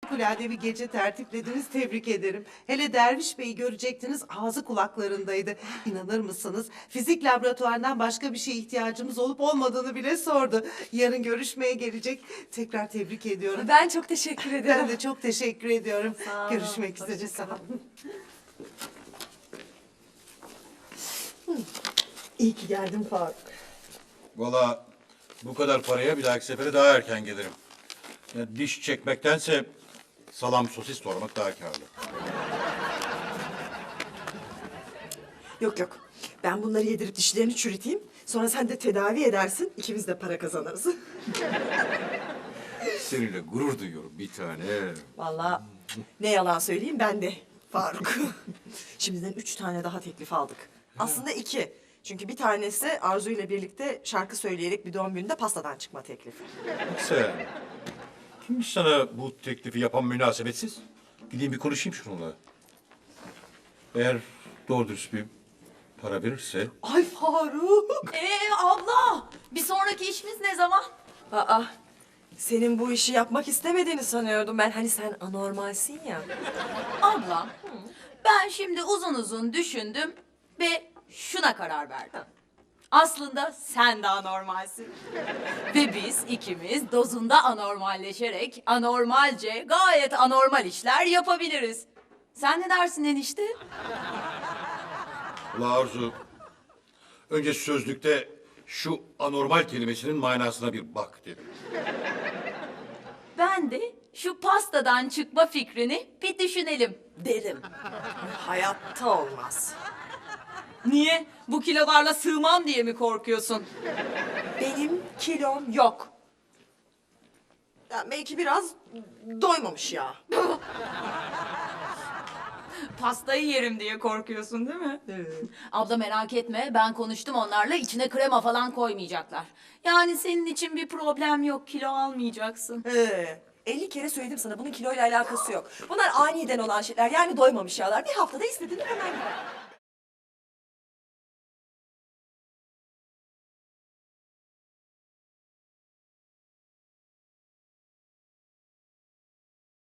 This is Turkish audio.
harikulade bir gece tertiplediniz, tebrik ederim. Hele Derviş Bey'i görecektiniz, ağzı kulaklarındaydı. İnanır mısınız? Fizik laboratuvarından başka bir şeye ihtiyacımız olup olmadığını bile sordu. Yarın görüşmeye gelecek. Tekrar tebrik ediyorum. Ben çok teşekkür ederim. Ben de çok teşekkür ediyorum. Sağ olun, Görüşmek üzere, sağ olun. İyi ki geldin Faruk. Vallahi bu kadar paraya bir dahaki sefere daha erken gelirim. Ya diş çekmektense salam sosis doğramak daha kârlı. Yok yok. Ben bunları yedirip dişlerini çürüteyim. Sonra sen de tedavi edersin. İkimiz de para kazanırız. Seninle gurur duyuyorum bir tane. Vallahi ne yalan söyleyeyim ben de Faruk. Şimdiden 3 tane daha teklif aldık. Aslında 2. Çünkü bir tanesi Arzu ile birlikte şarkı söyleyerek bir doğum gününde pastadan çıkma teklifi. Sen, kimmiş sana bu teklifi yapan münasebetsiz? Gideyim bir konuşayım şununla. Eğer doğru dürüst bir para verirse... Ay Faruk! Abla, bir sonraki işimiz ne zaman? Aa, senin bu işi yapmak istemediğini sanıyordum ben. Hani sen anormalsin ya. Abla, ben şimdi uzun uzun düşündüm ve şuna karar verdim. Aslında sen de anormalsin. Ve biz ikimiz dozunda anormalleşerek anormalce gayet anormal işler yapabiliriz. Sen ne dersin enişte? Ula Arzu, önce sözlükte şu anormal kelimesinin manasına bir bak derim. Ben de şu pastadan çıkma fikrini bir düşünelim derim. Hayatta olmaz. Niye? Bu kilolarla sığmam diye mi korkuyorsun? Benim kilom yok. Ya belki biraz doymamış ya. Pastayı yerim diye korkuyorsun değil mi? Evet. Abla merak etme, ben konuştum onlarla, içine krema falan koymayacaklar. Yani senin için bir problem yok, kilo almayacaksın. 50 kere söyledim sana bunun kiloyla alakası yok. Bunlar aniden olan şeyler yani doymamış yağlar. Bir haftada istediğini hemen gider.